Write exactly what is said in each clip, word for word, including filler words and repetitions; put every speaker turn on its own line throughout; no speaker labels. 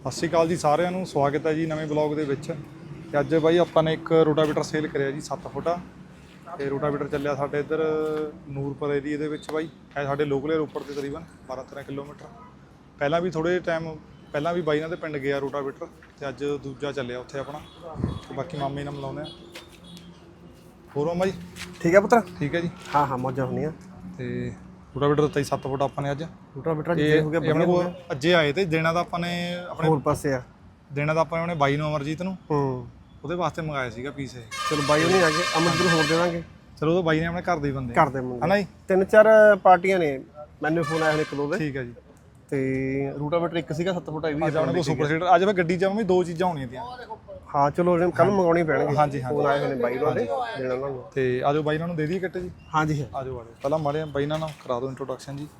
ਸਤਿ ਸ਼੍ਰੀ ਅਕਾਲ ਜੀ ਸਾਰਿਆਂ ਨੂੰ, ਸਵਾਗਤ ਹੈ ਜੀ ਨਵੇਂ ਬਲੌਗ ਦੇ ਵਿੱਚ। ਤੇ ਅੱਜ ਬਾਈ ਆਪਾਂ ਨੇ ਇੱਕ ਰੋਟਾਵੇਟਰ ਸੇਲ ਕਰਿਆ ਜੀ ਸੱਤ ਫੁੱਟਾ। ਤੇ ਰੋਟਾਵੇਟਰ ਚੱਲਿਆ ਸਾਡੇ ਇੱਧਰ ਨੂਰਪੁਰ ਏਰੀਏ ਦੇ ਵਿੱਚ ਬਾਈ, ਹੈ ਸਾਡੇ ਲੋਕਲ ਰੋਪੜ ਦੇ ਤਕਰੀਬਨ ਬਾਰਾਂ ਤੇਰਾਂ ਕਿਲੋਮੀਟਰ। ਪਹਿਲਾਂ ਵੀ ਥੋੜ੍ਹੇ ਟਾਈਮ ਪਹਿਲਾਂ ਵੀ ਬਾਈ ਨਾਲ ਦੇ ਪਿੰਡ ਗਿਆ ਰੋਟਾਵੇਟਰ, ਤੇ ਅੱਜ ਦੂਜਾ ਚੱਲਿਆ ਉੱਥੇ ਆਪਣਾ। ਤੇ ਬਾਕੀ ਮਾਮੇ ਨਾਲ ਮਿਲਾਉਂਦੇ ਆ। ਹੋਰ ਮਾਮਾ ਜੀ
ਠੀਕ ਹੈ ਪੁੱਤਰ?
ਠੀਕ ਹੈ ਜੀ,
ਹਾਂ ਹਾਂ ਮੌਜਾਂ ਹੁੰਦੀਆਂ।
ਤੇ ਰੋਟਾਵੇਟਰ ਦਿੱਤਾ ਜੀ ਸੱਤ ਫੁੱਟ ਆਪਾਂ ਨੇ ਅੱਜ।
ਰੋਟਾਵੇਟਰ
ਜੇ ਹੋ ਗਿਆ ਆਪਣੇ ਕੋਲ ਅੱਜੇ ਆਏ ਤੇ ਦੇਣਾ ਤਾਂ ਆਪਾਂ ਨੇ ਆਪਣੇ
ਹੋਰ ਪਾਸੇ ਆ,
ਦੇਣਾ ਤਾਂ ਆਪਾਂ ਨੇ ਬਾਈ ਨੂੰ ਅਮਰਜੀਤ ਨੂੰ,
ਹੂੰ
ਉਹਦੇ ਵਾਸਤੇ ਮੰਗਾਇਆ ਸੀਗਾ ਪੀਸ ਇਹ।
ਚਲੋ ਬਾਈ ਉਹ ਨਹੀਂ ਆ ਗਏ, ਅਮਰਜੀਤ ਨੂੰ ਹੋਰ ਦੇ ਦਾਂਗੇ।
ਚਲੋ ਉਹ ਬਾਈ ਨੇ ਆਪਣੇ ਘਰ ਦੇ ਹੀ ਬੰਦੇ
ਘਰ ਦੇ ਮੁੰਡੇ
ਹਨਾ ਜੀ।
ਤਿੰਨ ਚਾਰ ਪਾਰਟੀਆਂ ਨੇ, ਮੈਨੂੰ ਫੋਨ ਆਇਆ ਹੁਣ ਇੱਕ ਦੋ ਦੇ।
ਠੀਕ ਹੈ ਜੀ।
ਤੇ ਰੋਟਾਵੇਟਰ ਇੱਕ ਸੀਗਾ ਸੱਤ ਫੁੱਟ, ਇਹ ਵੀ
ਅੱਜ ਆਪਣੇ ਕੋਲ ਸੁਪਰ ਸੀਡਰ ਅੱਜ ਮੈਂ ਗੱਡੀ 'ਚ ਵੀ ਦੋ ਚੀਜ਼ਾਂ ਹੋਣੀਆਂ ਤੀਆਂ।
ਹਾਂ ਚਲੋ ਕੱਲ ਮੰਗਾਉਣੀ ਪੈਣਗੇ।
ਹਾਂਜੀ ਹਾਂ,
ਫੋਨ ਆਏ ਹੋਏ ਨੇ ਬਾਈ ਉਹਨਾਂ ਦੇ, ਦੇਣਾ ਉਹਨਾਂ ਨੂੰ।
ਤੇ ਆਜੋ ਬਾਈ ਨਾਲ ਨੂੰ ਦੇ ਦਈਏ ਕਿੱਟ ਜੀ।
ਹਾਂਜੀ
ਆਜੋ ਆਜੋ ਪਹਿਲਾਂ ਮਾੜੇ ਬਾਈ ਨਾਲ ਕਰਾ ਦਿਓ ਇੰਟਰੋਡਕਸ਼ਨ ਜੀ।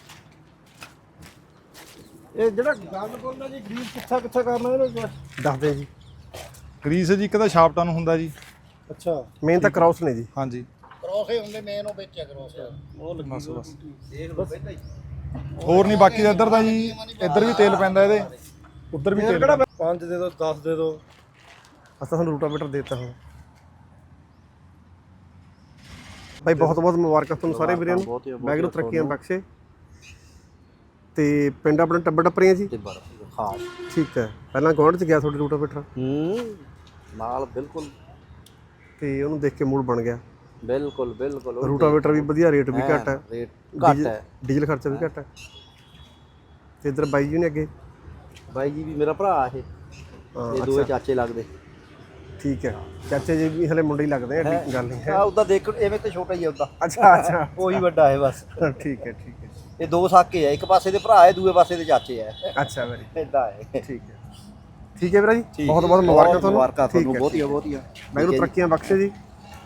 ਇਹ ਜਿਹੜਾ ਗੱਲ ਬੋਲਣਾ ਜੀ, ਗਰੀਸ ਕਿੱਥਾ ਕਿੱਥਾ ਕਰਨਾ ਇਹਨੂੰ ਦੱਸਦੇ ਜੀ।
ਗਰੀਸ ਜੀ ਇੱਕ ਤਾਂ ਸ਼ਾਫਟਾਂ ਨੂੰ ਹੁੰਦਾ ਜੀ।
ਅੱਛਾ, ਮੇਨ ਤਾਂ ਕ੍ਰਾਸ ਨੇ ਜੀ।
ਹਾਂਜੀ
ਕ੍ਰੋਸ ਹੀ ਹੁੰਦੇ ਮੇਨ, ਉਹ ਵਿੱਚ ਕ੍ਰੋਸ ਉਹ ਲੱਗੀ
ਬਸ ਬਸ
ਦੇਖ ਲਓ ਪਹਿਲਾਂ ਹੀ।
ਹੋਰ ਨਹੀਂ ਬਾਕੀ ਇੱਧਰ ਤਾਂ ਜੀ, ਇੱਧਰ ਵੀ ਤੇਲ ਪੈਂਦਾ ਇਹਦੇ, ਉੱਧਰ ਵੀ ਤੇਲ।
ਪੰਜ ਦੇ ਦਿਓ, ਦਸ ਦੇ ਦਿਓ। ਅਸਾਂ ਤੁਹਾਨੂੰ ਰੋਟਾਵੇਟਰ ਦੇ ਦਿੱਤਾ ਹੁਣ ਭਾਈ। ਬਹੁਤ ਬਹੁਤ ਮੁਬਾਰਕਾਂ ਤੁਹਾਨੂੰ ਸਾਰੇ ਵੀਰਾਂ ਨੂੰ, ਵਾਹਿਗੁਰੂ ਤਰੱਕੀਆਂ ਬਖਸ਼ੇ। ਤੇ ਪਿੰਡ ਆਪਣਾ ਟੱਬਰ ਟੱਪਰੀਆਂ ਜੀ।
ਹਾਂ
ਠੀਕ ਹੈ, ਪਹਿਲਾਂ ਗੌਂਡ ਚ ਗਿਆ ਤੁਹਾਡੇ ਰੋਟਾਵੇਟਰ
ਹੂੰ ਨਾਲ ਬਿਲਕੁਲ,
ਤੇ ਉਹਨੂੰ ਦੇਖ ਕੇ ਮੂਡ ਬਣ ਗਿਆ।
ਬਿਲਕੁਲ ਬਿਲਕੁਲ
ਰੋਟਾਵੇਟਰ ਵੀ ਵਧੀਆ, ਰੇਟ ਵੀ ਘੱਟ ਹੈ,
ਰੇਟ ਘੱਟ ਹੈ,
ਡੀਜ਼ਲ ਖਰਚਾ ਵੀ ਘੱਟ ਹੈ। ਤੇ ਇੱਧਰ ਬਾਈ ਜੀ ਨੇ ਅੱਗੇ,
ਬਾਈ ਜੀ ਵੀ ਮੇਰਾ ਭਰਾ ਇਹ, ਇਹ ਦੋਵੇਂ ਚਾਚੇ ਲੱਗਦੇ।
ਠੀਕ ਹੈ, ਚਾਚੇ ਜੀ ਵੀ ਹਲੇ ਮੁੰਡੇ ਹੀ ਲੱਗਦੇ ਆ, ਐਡੀ ਗੱਲ ਨਹੀਂ ਹੈ।
ਆ ਉਹਦਾ ਦੇਖ ਐਵੇਂ ਤੇ ਛੋਟਾ ਹੀ ਆ ਉਹਦਾ।
ਅੱਛਾ ਅੱਛਾ,
ਉਹੀ ਵੱਡਾ ਹੈ ਬਸ।
ਠੀਕ ਹੈ ਠੀਕ ਹੈ।
ਇਹ ਦੋ ਸਾਕੇ ਆ, ਇੱਕ ਪਾਸੇ ਦੇ ਭਰਾ ਹੈ, ਦੂਏ ਪਾਸੇ ਦੇ ਚਾਚੇ ਆ।
ਅੱਛਾ ਵੈਰੀ
ਇਦਾਂ ਹੈ।
ਠੀਕ ਹੈ ਠੀਕ ਹੈ ਵੀਰਾ ਜੀ, ਬਹੁਤ ਬਹੁਤ ਮੁਬਾਰਕਾਂ ਤੁਹਾਨੂੰ।
ਮੁਬਾਰਕਾਂ ਤੁਹਾਨੂੰ ਬਹੁਤੀਆਂ ਬਹੁਤੀਆਂ,
ਵਾਹਿਗੁਰੂ ਤਰੱਕੀਆਂ ਬਖਸ਼ੇ ਜੀ।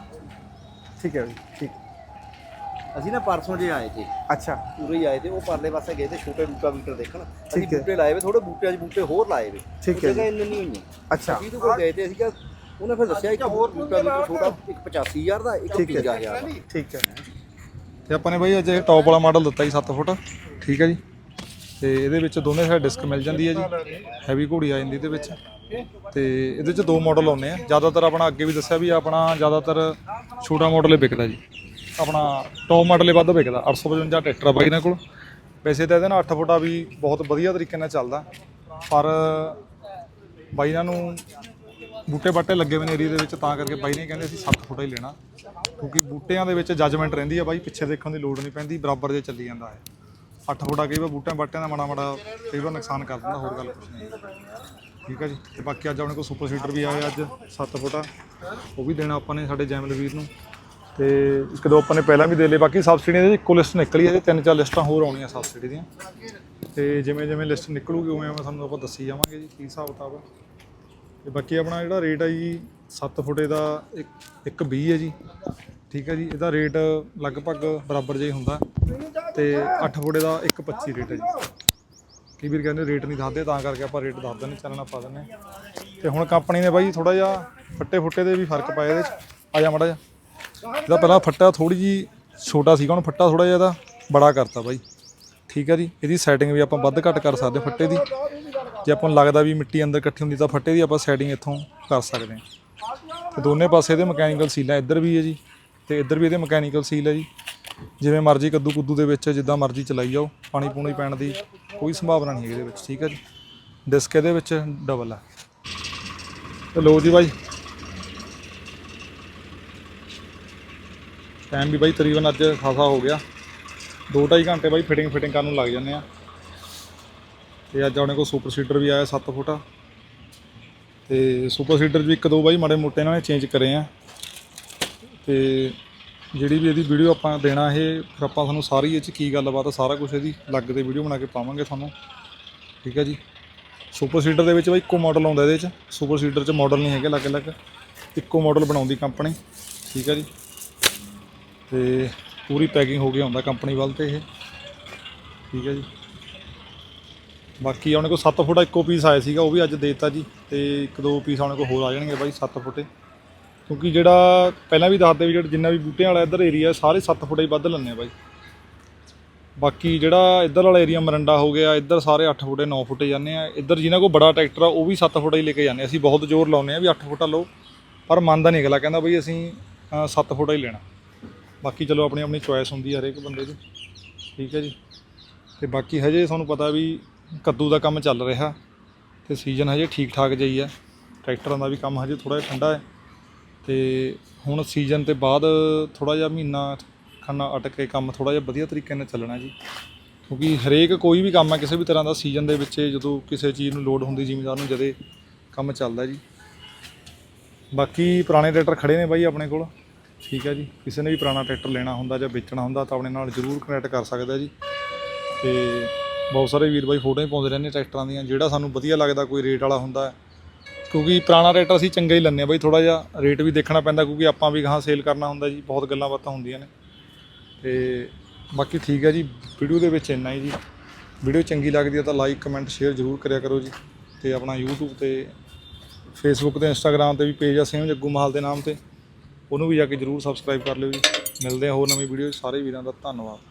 ਠੀਕ ਹੈ ਜੀ, ਠੀਕ।
ਅਸੀਂ ਨਾ ਪਰਸੋਂ ਜੇ ਆਏ ਤੇ,
ਅੱਛਾ
ਪੂਰੇ ਹੀ ਆਏ ਤੇ, ਉਹ ਪਰਲੇ ਪਾਸੇ ਗਏ ਤੇ ਛੋਟੇ ਰੋਟਾਵੇਟਰ ਦੇਖਣ। ਅਸੀਂ
ਠੀਕ ਹੈ।
ਬੂਟੇ ਲਾਏ ਵੇ, ਥੋੜੇ ਬੂਟਿਆਂ 'ਚ ਬੂਟੇ ਹੋਰ ਲਾਏ ਵੇ।
ਠੀਕ ਹੈ
ਜਗ੍ਹਾ ਇੰਨੀ ਨਹੀਂ ਹੋਈਆਂ।
ਅੱਛਾ
ਅਸੀਂ ਕੋਲ ਗਏ ਤੇ ਅਸੀਂ ਕਿਹਾ, ਉਹਨੇ ਫਿਰ ਦੱਸਿਆ ਇੱਕ ਰੋਟਾਵੇਟਰ ਛੋਟਾ, ਇੱਕ ਪਚਾਸੀ ਹਜ਼ਾਰ ਦਾ, ਇੱਕ
ਠੀਕ ਹੈ।
ਪੰਜਾਹ ਹਜ਼ਾਰ ਦਾ।
ਠੀਕ ਹੈ।
ਤੇ ਆਪਾਂ ਨੇ ਬਾਈ ਅੱਜ ਇਹ ਟੌਪ ਵਾਲਾ ਮਾਡਲ ਦਿੱਤਾ ਜੀ ਸੱਤ ਫੁੱਟ। ਠੀਕ ਹੈ ਜੀ। ਤੇ ਇਹਦੇ ਵਿੱਚ ਦੋਨੇ ਸਾਈਡ ਡਿਸਕ ਮਿਲ ਜਾਂਦੀ ਹੈ ਜੀ, ਹੈਵੀ ਘੋੜੀ ਆ ਜਾਂਦੀ ਇਹਦੇ ਵਿੱਚ। ਤੇ ਇਹਦੇ 'ਚ ਦੋ ਮਾਡਲ ਆਉਂਦੇ ਆ ਜ਼ਿਆਦਾਤਰ। ਆਪਣਾ ਅੱਗੇ ਵੀ ਦੱਸਿਆ ਵੀ ਆਪਣਾ ਜ਼ਿਆਦਾਤਰ ਛੋਟਾ ਮਾਡਲ ਹੀ ਵਿਕਦਾ ਜੀ, ਆਪਣਾ ਟੌਪ ਮਾਡਲ ਹੀ ਵੱਧ ਵਿਕਦਾ। ਅੱਠ ਸੌ ਪਚਵੰਜਾ ਟਰੈਕਟਰ ਆ ਬਾਈ ਇਹਨਾਂ ਕੋਲ। ਵੈਸੇ ਤਾਂ ਇਹਦੇ ਨਾਲ ਅੱਠ ਫੁੱਟਾ ਵੀ ਬਹੁਤ ਵਧੀਆ ਤਰੀਕੇ ਨਾਲ ਚੱਲਦਾ, ਪਰ ਬਾਈ ਇਹਨਾਂ ਨੂੰ ਬੂਟੇ ਬਾਟੇ ਲੱਗੇ ਹੋਏ ਨੇ ਏਰੀਏ ਦੇ ਵਿੱਚ, ਤਾਂ ਕਰਕੇ ਬਾਈ ਨੇ ਕਹਿੰਦੇ ਅਸੀਂ ਸੱਤ ਫੁੱਟਾ ਹੀ ਲੈਣਾ, ਕਿਉਂਕਿ ਬੂਟਿਆਂ ਦੇ ਵਿੱਚ ਜੱਜਮੈਂਟ ਰਹਿੰਦੀ ਆ ਬਾਈ, ਪਿੱਛੇ ਦੇਖਣ ਦੀ ਲੋੜ ਨਹੀਂ ਪੈਂਦੀ, ਬਰਾਬਰ ਜੇ ਚੱਲੀ ਜਾਂਦਾ ਹੈ। ਅੱਠ ਫੁੱਟਾ ਕਈ ਵਾਰ ਬੂਟਿਆਂ ਬਾਟਿਆਂ ਦਾ ਮਾੜਾ ਮਾੜਾ ਕਈ ਵਾਰ ਨੁਕਸਾਨ ਕਰ ਦਿੰਦਾ, ਹੋਰ ਗੱਲ ਕੁਛ ਨਹੀਂ। ਠੀਕ ਹੈ ਜੀ। ਤੇ ਬਾਕੀ ਅੱਜ ਆਪਣੇ ਕੋਲ ਸੁਪਰ ਸੀਡਰ ਵੀ ਆਇਆ ਅੱਜ ਸੱਤ ਫੁੱਟਾ, ਉਹ ਵੀ ਦੇਣਾ ਆਪਾਂ ਨੇ ਸਾਡੇ ਜੈਮਲ ਵੀਰ ਨੂੰ। ਤੇ ਇੱਕ ਦੋ ਆਪਾਂ ਨੇ ਪਹਿਲਾਂ ਵੀ ਦੇ ਲਏ। ਬਾਕੀ ਸਬਸਿਡੀਆਂ ਦੀ ਇੱਕੋ ਲਿਸਟ ਨਿਕਲੀ ਹੈ, ਤਿੰਨ ਚਾਰ ਲਿਸਟਾਂ ਹੋਰ ਆਉਣੀਆਂ ਸਬਸਿਡੀ ਦੀਆਂ। ਤੇ ਜਿਵੇਂ ਜਿਵੇਂ ਲਿਸਟ ਨਿਕਲੂਗੀ ਉਵੇਂ ਉਵੇਂ ਤੁਹਾਨੂੰ ਆਪਾਂ ਦੱਸੀ ਜਾਵਾਂਗੇ ਜੀ ਕੀ ਹਿਸਾਬ ਕਿਤਾਬ ਹੈ। ਤੇ ਬਾਕੀ ਆਪਣਾ ਜਿਹੜਾ ਰੇਟ ਹੈ ਜੀ ਸੱਤ ਫੁੱਟੇ ਦਾ ਇੱਕ ਇੱਕ ਵੀਹ ਹੈ ਜੀ। ਠੀਕ ਹੈ ਜੀ। ਇਹਦਾ ਰੇਟ ਲਗਭਗ ਬਰਾਬਰ ਜਿਹਾ ਹੀ ਹੁੰਦਾ। ਤੇ ਅੱਠ ਫੁੱਟੇ ਦਾ ਇੱਕ ਪੱਚੀ ਰੇਟ ਹੈ ਜੀ। ਕਈ ਵੀਰ ਕਹਿੰਦੇ ਰੇਟ ਨਹੀਂ ਦੱਸਦੇ, ਤਾਂ ਕਰਕੇ ਆਪਾਂ ਰੇਟ ਦੱਸ ਦਿੰਦੇ, ਚਾਨਣਾ ਪਾ ਦਿੰਦੇ। ਤੇ ਹੁਣ ਕੰਪਨੀ ਨੇ ਬਾਈ ਥੋੜ੍ਹਾ ਜਿਹਾ ਫੱਟੇ ਫੁੱਟੇ ਦੇ ਵੀ ਫਰਕ ਪਾਇਆ ਇਹਦੇ 'ਚ। ਆ ਜਾ ਮਾੜਾ ਜਿਹਾ, ਇਹਦਾ ਪਹਿਲਾਂ ਫੱਟਾ ਥੋੜ੍ਹੀ ਜਿਹੀ ਛੋਟਾ ਸੀਗਾ, ਹੁਣ ਫੱਟਾ ਥੋੜ੍ਹਾ ਜਿਹਾ ਇਹਦਾ ਬੜਾ ਕਰਤਾ ਬਾਈ। ਠੀਕ ਹੈ ਜੀ। ਇਹਦੀ ਸੈਟਿੰਗ ਵੀ ਆਪਾਂ ਵੱਧ ਘੱਟ ਕਰ ਸਕਦੇ ਫੱਟੇ ਦੀ। ਜੇ ਆਪਾਂ ਨੂੰ ਲੱਗਦਾ ਵੀ ਮਿੱਟੀ ਅੰਦਰ ਇਕੱਠੀ ਹੁੰਦੀ ਤਾਂ ਫੱਟੇ ਦੀ ਆਪਾਂ ਸੈਟਿੰਗ ਇੱਥੋਂ ਕਰ ਸਕਦੇ ਹਾਂ। ਤੇ ਦੋਨੇ ਪਾਸੇ ਇਹਦੇ ਮਕੈਨੀਕਲ ਸੀਲਾਂ, ਇੱਧਰ ਵੀ ਹੈ ਜੀ ਤੇ ਇੱਧਰ ਵੀ ਇਹਦੇ ਮਕੈਨੀਕਲ ਸੀਲ ਹੈ ਜੀ। ਜਿਵੇਂ ਮਰਜ਼ੀ ਕੱਦੂ ਕੁੱਦੂ ਦੇ ਵਿੱਚ ਜਿੱਦਾਂ ਮਰਜ਼ੀ ਚਲਾਈ ਜਾਓ, ਪਾਣੀ ਪੂਣੀ ਪੈਣ ਦੀ ਕੋਈ ਸੰਭਾਵਨਾ ਨਹੀਂ ਇਹਦੇ ਵਿੱਚ। ਠੀਕ ਹੈ ਜੀ। ਡਿਸਕ ਇਹਦੇ ਵਿੱਚ ਡਬਲ ਹੈ। ਤੇ ਲਓ ਜੀ ਬਾਈ, ਟਾਈਮ ਵੀ ਬਾਈ ਤਕਰੀਬਨ ਅੱਜ ਖਾਸਾ ਹੋ ਗਿਆ, ਦੋ ਢਾਈ ਘੰਟੇ ਬਾਈ ਫਿਟਿੰਗ ਫਿਟਿੰਗ ਕਰਨ ਨੂੰ ਲੱਗ ਜਾਂਦੇ ਆ। ਤੇ ਅੱਜ ਆਪਣੇ ਕੋਲ ਸੁਪਰ ਸੀਡਰ ਵੀ ਆਇਆ ਸੱਤ ਫੁੱਟਾ। ਤੇ ਸੁਪਰ ਸੀਡਰ ਵੀ ਇੱਕ ਦੋ ਬਾਈ ਮਾੜੇ ਮੋਟੇ ਇਹਨਾਂ ਨੇ ਚੇਂਜ ਕਰੇ ਆ। ਤੇ ਜਿਹੜੀ ਵੀ ਇਹਦੀ ਵੀਡੀਓ ਆਪਾਂ ਦੇਣਾ, ਇਹ ਫਿਰ ਆਪਾਂ ਤੁਹਾਨੂੰ ਸਾਰੀ ਇਹ 'ਚ ਕੀ ਗੱਲਬਾਤ ਆ ਸਾਰਾ ਕੁਛ ਇਹਦੀ ਅਲੱਗ ਤੇ ਵੀਡੀਓ ਬਣਾ ਕੇ ਪਾਵਾਂਗੇ ਤੁਹਾਨੂੰ। ਠੀਕ ਹੈ ਜੀ। ਸੁਪਰ ਸੀਡਰ ਦੇ ਵਿੱਚ ਬਾਈ ਇੱਕੋ ਮਾਡਲ ਆਉਂਦਾ ਇਹਦੇ 'ਚ, ਸੁਪਰ ਸੀਡਰ 'ਚ ਮਾਡਲ ਨਹੀਂ ਹੈਗੇ ਅਲੱਗ ਅਲੱਗ, ਇੱਕੋ ਮਾਡਲ ਬਣਾਉਂਦੀ ਕੰਪਨੀ। ਠੀਕ ਹੈ ਜੀ। ਤੇ ਪੂਰੀ ਪੈਕਿੰਗ ਹੋ ਕੇ ਆਉਂਦਾ ਕੰਪਨੀ ਵੱਲ ਤੇ ਇਹ। ਠੀਕ ਹੈ ਜੀ। ਬਾਕੀ ਆਪਣੇ ਕੋਲ ਸੱਤ ਫੁੱਟਾ ਇੱਕੋ ਪੀਸ ਆਇਆ ਸੀਗਾ, ਉਹ ਵੀ ਅੱਜ ਦੇ ਦਿੱਤਾ ਜੀ। ਤੇ ਇੱਕ ਦੋ ਪੀਸ ਆਪਣੇ ਕੋਲ ਹੋਰ ਆ ਜਾਣਗੇ ਬਾਈ ਸੱਤ ਫੁੱਟੇ, ਕਿਉਂਕਿ ਜਿਹੜਾ ਪਹਿਲਾਂ ਵੀ ਦੱਸਦੇ ਵੀ ਜਿਹੜਾ ਜਿੰਨਾ ਵੀ ਬੂਟਿਆਂ ਵਾਲਾ ਇੱਧਰ ਏਰੀਆ ਸਾਰੇ ਸੱਤ ਫੁੱਟਾ ਹੀ ਵੱਧ ਲੈਂਦੇ ਆ ਬਾਈ। ਬਾਕੀ ਜਿਹੜਾ ਇੱਧਰ ਵਾਲਾ ਏਰੀਆ ਮਰੰਡਾ ਹੋ ਗਿਆ, ਇੱਧਰ ਸਾਰੇ ਅੱਠ ਫੁੱਟੇ ਨੌ ਫੁੱਟੇ ਜਾਂਦੇ ਆ। ਇੱਧਰ ਜਿਨ੍ਹਾਂ ਕੋਲ ਬੜਾ ਟਰੈਕਟਰ ਆ ਉਹ ਵੀ ਸੱਤ ਫੁੱਟ ਹੀ ਲੈ ਕੇ ਜਾਂਦੇ। ਅਸੀਂ ਬਹੁਤ ਜ਼ੋਰ ਲਾਉਂਦੇ ਆ ਵੀ ਅੱਠ ਫੁੱਟਾ ਲਓ, ਪਰ ਮੰਨਦਾ ਨਹੀਂ ਅਗਲਾ, ਕਹਿੰਦਾ ਬਈ ਅਸੀਂ ਸੱਤ ਫੁੱਟਾ ਹੀ ਲੈਣਾ। ਬਾਕੀ ਚਲੋ ਆਪਣੀ ਆਪਣੀ ਚੋਇਸ ਹੁੰਦੀ ਆ ਹਰੇਕ ਬੰਦੇ ਦੀ, ਠੀਕ ਹੈ ਜੀ। ਤੇ ਬਾਕੀ ਹਜੇ ਤੁਹਾਨੂੰ ਪਤਾ ਵੀ ਕੱਦੂ ਦਾ ਕੰਮ ਚੱਲ ਰਿਹਾ ਤੇ ਸੀਜ਼ਨ ਹਜੇ ਠੀਕ ਠਾਕ ਜਿਹੀ ਹੈ। ਟਰੈਕਟਰਾਂ ਦਾ ਵੀ ਕੰਮ ਹਜੇ ਥੋੜ੍ਹਾ ਜਿਹਾ ਠੰਡਾ ਹੈ ਤੇ ਹੁਣ ਸੀਜ਼ਨ ਤੋਂ ਬਾਅਦ ਥੋੜ੍ਹਾ ਜਿਹਾ ਮਹੀਨਾ ਖਾਨਾ ਅਟਕ ਕੇ ਕੰਮ ਥੋੜ੍ਹਾ ਜਿਹਾ ਵਧੀਆ ਤਰੀਕੇ ਨਾਲ ਚੱਲਣਾ ਜੀ, ਕਿਉਂਕਿ ਹਰੇਕ ਕੋਈ ਵੀ ਕੰਮ ਹੈ ਕਿਸੇ ਵੀ ਤਰ੍ਹਾਂ ਦਾ ਸੀਜ਼ਨ ਦੇ ਵਿੱਚ ਜਦੋਂ ਕਿਸੇ ਚੀਜ਼ ਨੂੰ ਲੋੜ ਹੁੰਦੀ ਜ਼ਿਮੀਂਦਾਰ ਨੂੰ ਜਦੇ ਕੰਮ ਚੱਲਦਾ ਜੀ। ਬਾਕੀ ਪੁਰਾਣੇ ਟਰੈਕਟਰ ਖੜ੍ਹੇ ਨੇ ਬਾਈ ਆਪਣੇ ਕੋਲ, ਠੀਕ ਹੈ ਜੀ। ਕਿਸੇ ਨੇ ਵੀ ਪੁਰਾਣਾ ਟਰੈਕਟਰ ਲੈਣਾ ਹੁੰਦਾ ਜਾਂ ਵੇਚਣਾ ਹੁੰਦਾ ਤਾਂ ਆਪਣੇ ਨਾਲ ਜ਼ਰੂਰ ਕਨੈਕਟ ਕਰ ਸਕਦਾ ਜੀ। ਤੇ ਬਹੁਤ ਸਾਰੇ ਵੀਰ ਬਾਈ ਫੋਟੋਆਂ ਹੀ ਪਾਉਂਦੇ ਰਹਿੰਦੇ ਟਰੈਕਟਰਾਂ ਦੀਆਂ, ਜਿਹੜਾ ਸਾਨੂੰ ਵਧੀਆ ਲੱਗਦਾ ਕੋਈ ਰੇਟ ਵਾਲਾ ਹੁੰਦਾ, ਕਿਉਂਕਿ ਪੁਰਾਣਾ ਟਰੈਕਟਰ ਅਸੀਂ ਚੰਗਾ ਹੀ ਲੈਂਦੇ ਹਾਂ ਬਾਈ। ਥੋੜ੍ਹਾ ਜਿਹਾ ਰੇਟ ਵੀ ਦੇਖਣਾ ਪੈਂਦਾ ਕਿਉਂਕਿ ਆਪਾਂ ਵੀ ਗਾਹਾਂ ਸੇਲ ਕਰਨਾ ਹੁੰਦਾ ਜੀ, ਬਹੁਤ ਗੱਲਾਂ ਬਾਤਾਂ ਹੁੰਦੀਆਂ ਨੇ। ਤੇ ਬਾਕੀ ਠੀਕ ਹੈ ਜੀ, ਵੀਡੀਓ ਦੇ ਵਿੱਚ ਇੰਨਾ ਹੀ ਜੀ। ਵੀਡੀਓ ਚੰਗੀ ਲੱਗਦੀ ਹੈ ਤਾਂ ਲਾਈਕ ਕਮੈਂਟ ਸ਼ੇਅਰ ਜ਼ਰੂਰ ਕਰਿਆ ਕਰੋ ਜੀ। ਤੇ ਆਪਣਾ YouTube ਤੇ ਫੇਸਬੁੱਕ ਤੇ ਇੰਸਟਾਗ੍ਰਾਮ ਤੇ ਵੀ ਪੇਜ ਆ ਸੇਮ ਜੱਗੂ ਮਾਹਲ ਦੇ ਨਾਮ ਤੇ, ਉਹਨੂੰ ਵੀ ਜਾ ਕੇ ਜ਼ਰੂਰ ਸਬਸਕ੍ਰਾਈਬ ਕਰ ਲਿਓ ਜੀ। ਮਿਲਦੇ ਆ ਹੋਰ ਨਵੀਂ ਵੀਡੀਓ। ਸਾਰੇ ਵੀਰਾਂ ਦਾ ਧੰਨਵਾਦ।